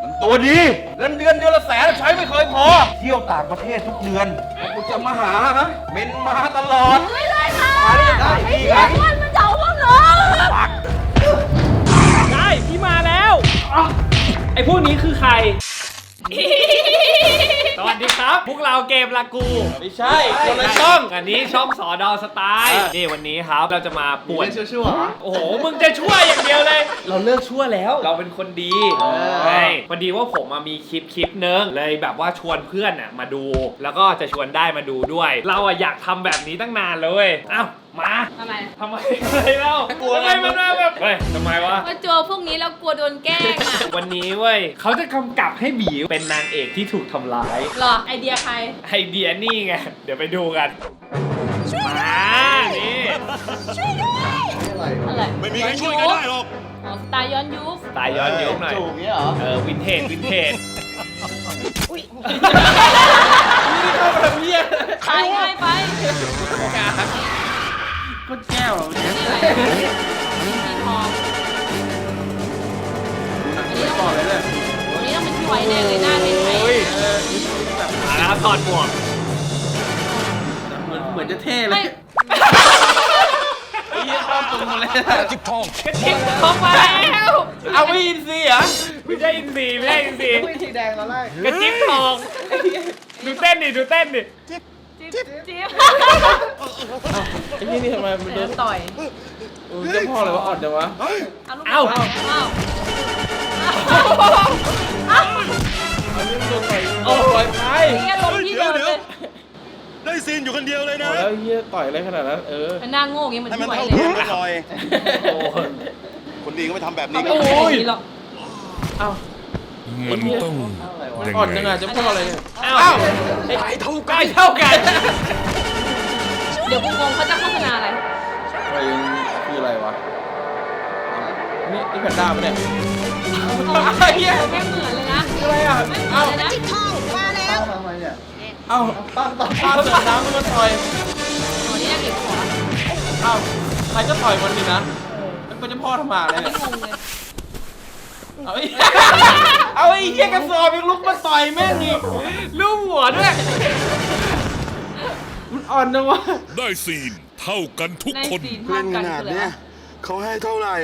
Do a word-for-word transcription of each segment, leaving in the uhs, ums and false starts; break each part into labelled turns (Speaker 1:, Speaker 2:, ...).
Speaker 1: มันตัวดีเงินเดือนเดือนละแสนใช้ไม่เคยพอเที่ยวต่างประเทศทุกเดือนกูจะมาหาฮะเม้นมาตลอด
Speaker 2: ไม่ได้ค่ะ
Speaker 1: มาได้ได้ดีไง
Speaker 2: มันมันเจ้าพวกหนู
Speaker 3: ได้พี่มาแล้วไอ้พวกนี้คือใคร สวัสดีครับพวกเราเกมลากูไม่ใช่คนละช่องอันนี้ช่องสอดอสไตล์นี่วันนี้ครับเราจะมาป่วนชั่วๆโอ้โหมึงจะชั่วอย่างเดียวเลยเราเลิกชั่วแล้วเราเป็นคนดีใช่พอดีว่าผมมีคลิปคลิปนึงเลยแบบว่าชวนเพื่อนน่ะมาดู แล้วก็จะชวนได้มาดูด้วย เราอะอยากทำแบบนี้ตั้งนานเลยอ้าวมา
Speaker 2: ทำไม
Speaker 3: ทำไมอะไรเล่าทำไมมันแบบเฮ้ยทำไมวะ
Speaker 2: มาเจอพวกนี้แล้วกลัวโดนแกล้งอ่ะ
Speaker 3: วันนี้เว้ยเขาจะกำกับให้บีเป็นนางเอกที่ถูกทำร้าย
Speaker 2: หรอไอเดียใคร
Speaker 3: ไอเดียนี่ไงเดี๋ยวไปดูกันมานี่
Speaker 2: อะไร
Speaker 4: ไม่มีใครช่วยกันได้หรอก
Speaker 2: อ๋อสไตล์ย้อนยุค
Speaker 3: ตายย้อนยุคหน่อยเออวินเทจวินเทจ
Speaker 2: อุ้ย
Speaker 3: นี่เข้ามาเพี้ย
Speaker 2: ตายง่ายไป
Speaker 3: ก็แก้วเนี่ย
Speaker 2: สีทองอันนี้ต้องอันนี้ต้องเป็นพี่ไวแน่เลยหน้าเป็นไทย
Speaker 3: มาแล้วถอดหมวก
Speaker 5: เหมือนเหมือนจะเท่เลย
Speaker 3: ไอ้ยี่ข้ามตรงมาเลย
Speaker 4: จิ๊บทอง
Speaker 3: กระจิ๊บทองมาแล้วเอาไม่อินซีเหรอไม่ใช่อินซีไม่ใช่อินซี
Speaker 5: ไม่สีแดงตอนแรก
Speaker 3: กระจิ๊บทองดูเต้นดิดูเต้นดิ
Speaker 2: จิ๊บจิ๊บจิ๊บ
Speaker 5: ไอ้นี่นี่ทำไมมันโดน
Speaker 2: ต่อย
Speaker 5: เจ้าพ่ออะไรวะอ่อนจังวะ
Speaker 2: เอ้า
Speaker 5: เอ้าอันนี้มันโดนต่อยโอ้ยไป
Speaker 2: นี่ลงที่เดิมเลย
Speaker 4: ได้ซีนอยู่คนเดียวเลยนะ
Speaker 5: แล้วเฮียต่อยอะไรขนาดนั้นเออ
Speaker 2: มันหน้าโง่เงี้ยเหมือน
Speaker 4: ให้มัน
Speaker 2: พี่ไว
Speaker 4: เท่า
Speaker 2: เลย
Speaker 4: กันหน่อยคนดีก็ไม่ทำแบบนี้กัน
Speaker 2: โอ้ย
Speaker 5: เอ้า
Speaker 4: มันต้อง
Speaker 5: อ่อนจังอะเจ้าพ่ออะไรเนี่ย
Speaker 3: เอ้าไอ้เท่ากันเท่ากัน
Speaker 2: เดี๋ยวกูงงเขาจะโฆษณาอะไร
Speaker 5: อะไรคืออะไรวะนี่นี่แพนด้าปะเนี่ย
Speaker 2: ไอ้เหี้ยแม่เหมือนเลยนะ
Speaker 5: อะไรอ่ะ
Speaker 2: เอ้าจิ๊กทองมาแล้ว
Speaker 5: ทำไมเนี่ยเอ้าตั้งตั้งตั้งเสือน้ำมันมาต่อย
Speaker 2: อ๋อนี่น่าเก็บหัว
Speaker 5: เอ้าใครก็ต่อยมันดินะมันเป็นเจ้าพ่อทำมาเลย
Speaker 2: ไม่งงเลย
Speaker 5: เอาไอ้เอาไอ้เหี้ยกระสอบยังลุกมาต่อยแม่งอีก
Speaker 3: ลูกหัวด้วย
Speaker 5: มันอ่อนจังวะ
Speaker 4: ได้ซีนเท่ากันทุกคน
Speaker 2: เล่นขนาดเนี้ย
Speaker 4: เขาให้เท่าไหร่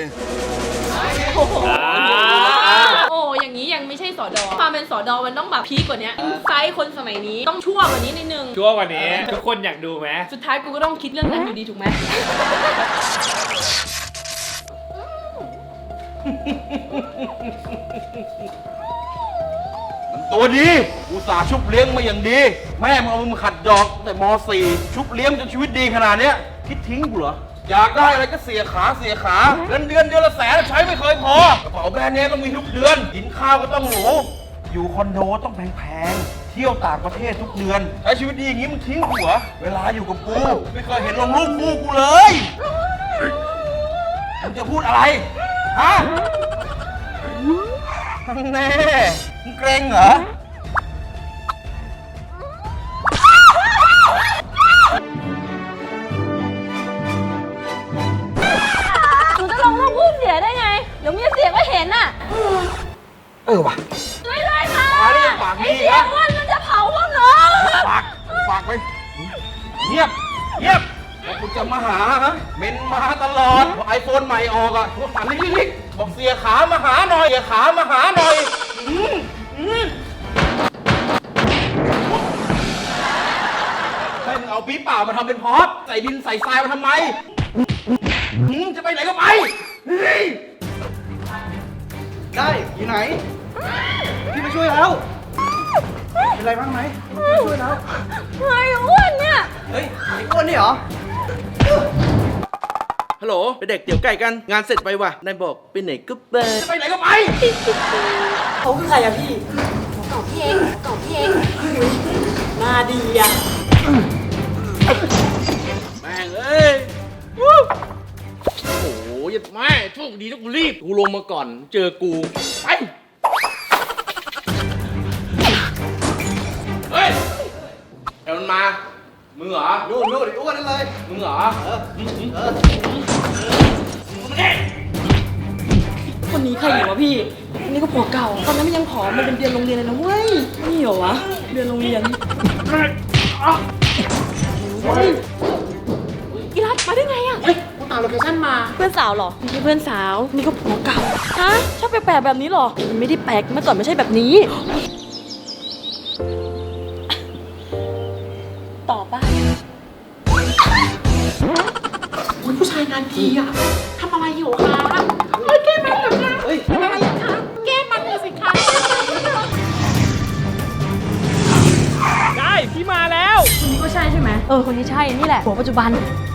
Speaker 2: โอ้อย่างนี้ยังไม่ใช่สอดอความเป็นสอดอมันต้องแบบพีกกว่านี้ไซส์คนสมัยนี้ต้องชั่วกว่านี้นิดนึง
Speaker 3: ชั่วกว่านี้ทุกคนอยากดูไหม
Speaker 2: สุดท้ายกูก็ต้องคิดเรื่องนั้นอยู่ดีถูกไหม
Speaker 1: มันตัวดีอุตส่าห์ชุบเลี้ยงมาอย่างดีแม่มึงเอามึงขัดดอกแต่ม .สี่ ชุบเลี้ยงจนชีวิตดีขนาดเนี้ยคิดทิ้งกูเหรออยากได้อะไรก็เสียขาเสียขาเงินเดือนเดือนละแสนใช้ไม่เคยพอกระเป๋าแบรนด์เนมต้องมีทุกเดือนกินข้าวก็ต้องหรูอยู่คอนโดต้องแพงๆเที่ยวต่างประเทศทุกเดือนใช้ชีวิตดีอย่างนี้มึงทิ้งกูเหรอเวลาอยู่กับกูไม่เคยเห็นลงรูปคู่กูเลยมึงจะพูดอะไรฮะแน่มึงเกรงเหรอ
Speaker 2: หนูจะลงรูปคู่เสียได้ไงเดี๋ยวมีเสียก็เห็นน่ะ
Speaker 1: เออว่ะ
Speaker 2: ช่วยด้วยค่ะ
Speaker 1: ปากนี่ปากนี่
Speaker 2: ไอ้เสียวันมันจะเผาพวกหนู
Speaker 1: ปากปากไปเงียบเงียบบอกกูจะมาหาฮะเม้นมาตลอดไอโฟนใหม่ออกอ่ะพวกฝันลิกๆบอกเสียขามาหาหน่อยเสียขามาหาหน่อยให้มึงเอาปี๊บเปล่ามาทำเป็นพร็อพใส่ดินใส่ทรายมาทำไมจะไปไหนก็ไป
Speaker 5: ได้อยู่ไหนพี่มาช่วยแล้วเป็นไรบ้างไหมช่วยแล้ว
Speaker 2: ไอ้อ้วนเนี่ย
Speaker 5: เฮ้ยไอ้อ้วนนี่เหรอฮัลโหลไปเด็กเตี๋ยวไก่กันงานเสร็จไปว่ะนายบอกไปไหนก็ไป
Speaker 1: จะไปไหนก็ไป
Speaker 6: เขาคือใครอะพี่เก่าพี่เองเก่าพี่เองมาดีอะ
Speaker 5: แม่งเอ้ยโอ้โหยัดแม่โชคดีที่กูรีบกูลงมาก่อนเจอกูไปเฮ้ยเดี๋ยวมันมามึงเหรอนู่นนู่นไอ้อ้วนนั่นเลยมึงเหรอเออเออ
Speaker 6: คนนี้ใครอยู่วะพี่อันนี้ก็ผัวเก่า ตอนนั้นมันยังผอมมันเป็นเดือนโรงเรียนเลยนะเว้ย นี่เหรอวะ เดือนโรงเรียนเฮ้ยอีรัตมาได้ไงอะ
Speaker 5: เฮ้ยกูตามโลเคชั่นมา
Speaker 6: เพื่อนสาวเหรอนี่เพื่อนสาว นี่ก็ผัวเก่า ฮะ ชอบแปลกๆแบบนี้เหรอ มันไม่ได้แปลกเมื่อก่อนไม่ใช่แบบนี้ ต่อป่ะ
Speaker 5: คุณผู้ชายงานทีอ่ะทำอะไรอยู่คะเฮ้ยแก้มันเหรอคะเฮ้ยทำอะไรอยู่คะแก้มันเลยสิคะ
Speaker 3: ได้พี่มาแล้ว
Speaker 6: คนนี้ก็ใช่ใช่ไหมเออ คนนี้ใช่ นี่แหละผัวปัจจุบัน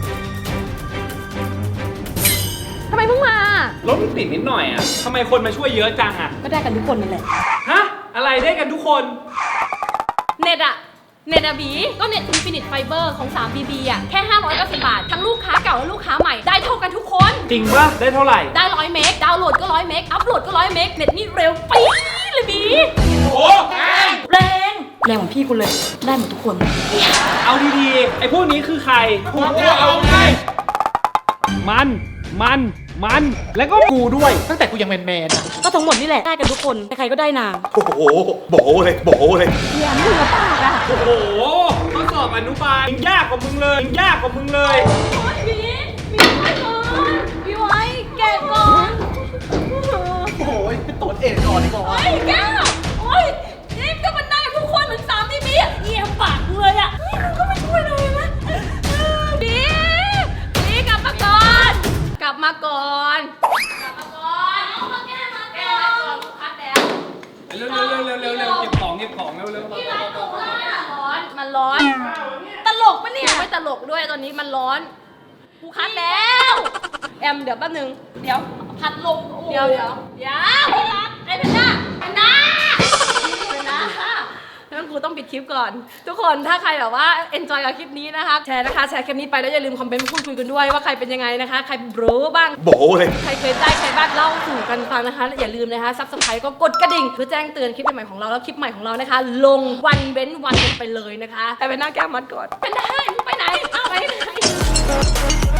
Speaker 6: ทำไมเพิ่งมา
Speaker 3: รถมันติดนิดหน่อยอ่ะทำไมคนมาช่วยเยอะจังอ่ะ
Speaker 6: ก็ได้กันทุกคนนั่นแหละ
Speaker 3: ฮะ อะไรได้กันทุกคน
Speaker 2: เน็ตอะเน็ตอะบีก็เน็ต Infinite Fiber ของ ทรี บี บี อะแค่ห้าร้อยเก้าสิบบาท ทั้งลูกค้าเก่าและลูกค้าใหม่ได้เท่ากันทุกคน
Speaker 3: จริงปะได้เท่าไหร่
Speaker 2: ได้ร้อยเมกดาวน์โหลดก็ร้อยเมกอัพโหลดก็ร้อยเมกเน็ตนี่เร็วปี๊ดเลยบี
Speaker 3: โอ้
Speaker 6: แรง แรงของพี่คุณเลย ได้หมดทุกคน
Speaker 3: เอาดีๆ ไอ้พวกนี้คือใครพวกเอาไง มัน มัน มัน แล้วก็
Speaker 5: กูด้วย ตั้งแต่กูยังแมนแมนๆอ่ะ
Speaker 6: ก็ทั้งหมดนี่แหละ ได้กันทุกคน ใครๆก็ได้นาง
Speaker 4: โอ้โหโบเลยโบเลย
Speaker 6: เรียนมึงกับปากอะ
Speaker 3: โอ้โหข้อสอบอนุบาลยังยากกว่ามึงเลยยังยากกว่ามึงเลย
Speaker 2: โอ้ยบีบีไว้ก่อนบีไว้แกะก่อน
Speaker 5: โอ้ยไปตรวจเอดก่อนดีกว่า
Speaker 2: โอ้ยแกะโอ้ยนี่ก็มันได้ทุกคนเหมือนสามทีบีอะเอียงปากเลยอะเฮ้ยมึงก็ไม่ช่วยเลยนะบีบีกลับมาก่อนกลับมาก่อนกลับมาก่อนเอามาแก้มาแก้มาก่อนลูกค้าแดง
Speaker 3: เร็วเร็วเร็วเร็วเร็วเร็วเก็บของเก็บของเร็วเร็ว
Speaker 2: ที่ร้านหนูเลยอะร้อน มันร้อน ตลกปะเนี่ย ไม่ตลกด้วยตอนนี้มันร้อนกูคัดแล้ว แอมเดี๋ยวแป๊บนึง เดี๋ยวพัดลมเดี๋ยวเดี๋ยวเดี๋ยวพี่รักไอ้เพนด้าเพนด้าเพนด้างั้นกูต้องปิดคลิปก่อน ทุกคนถ้าใครแบบว่า enjoy กับคลิปนี้นะคะ แชร์นะคะ แชร์คลิปนี้ไปแล้วอย่าลืมคอมเมนต์พูดคุยกันด้วยว่าใครเป็นยังไงนะคะ ใครรู้บ้าง
Speaker 4: โบเลย
Speaker 2: ใครเคยได้ใครบ้างเล่าสู่กันฟังนะคะและอย่าลืมนะคะซับสไครต์ก็กดกระดิ่งเพื่อแจ้งเตือนคลิปใหม่ๆของเราแล้วคลิปใหม่ของเรานะคะ ลงวันเว้นวันกันไปเลยนะคะไปเป็นหน้าแก้มมัดก่อนเป็นได้มึงไปไหนเอาไปไหน